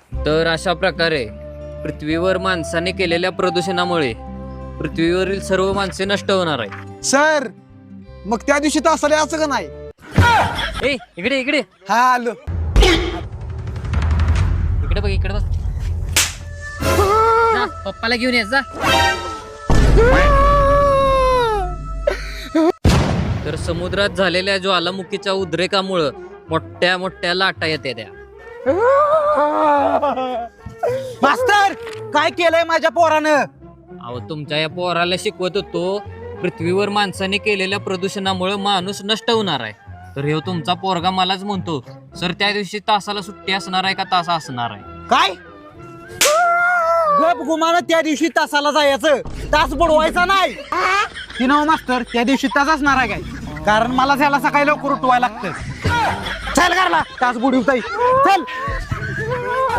तर अशा प्रकारे पृथ्वीवर माणसाने केलेल्या प्रदूषणामुळे पृथ्वीवरील सर्व माणसे नष्ट होणार आहे. सर मग त्या दिवशी तासाला यायचं का नाही? ए इकडे इकडे हा आलो. इकडे बघ इकडे बघ. जा, पप्पाला घेऊन ये जा. तर समुद्रात झालेल्या ज्वालामुखीच्या उद्रेकामुळं मोठ्या मोठ्या लाटा येते त्या. मास्तर काय केलंय माझ्या पोरानं? अहो तुमच्या या पोराला शिकवत होतो पृथ्वीवर माणसाने केलेल्या प्रदूषणामुळे माणूस नष्ट होणार आहे. तर हे तुमचा पोरगा मलाच म्हणतो सर त्या दिवशी तासाला सुट्टी असणार आहे का तासा असणार आहे? काय गप गुमान त्या दिवशी तासाला जायचं, तास बुडवायचा नाही. ती नाव मास्तर त्या दिवशी तास असणार आहे काय? कारण मला त्याला सकाळी लवकर उठवायला लागतं. चल घरला तास बुडवताय चल.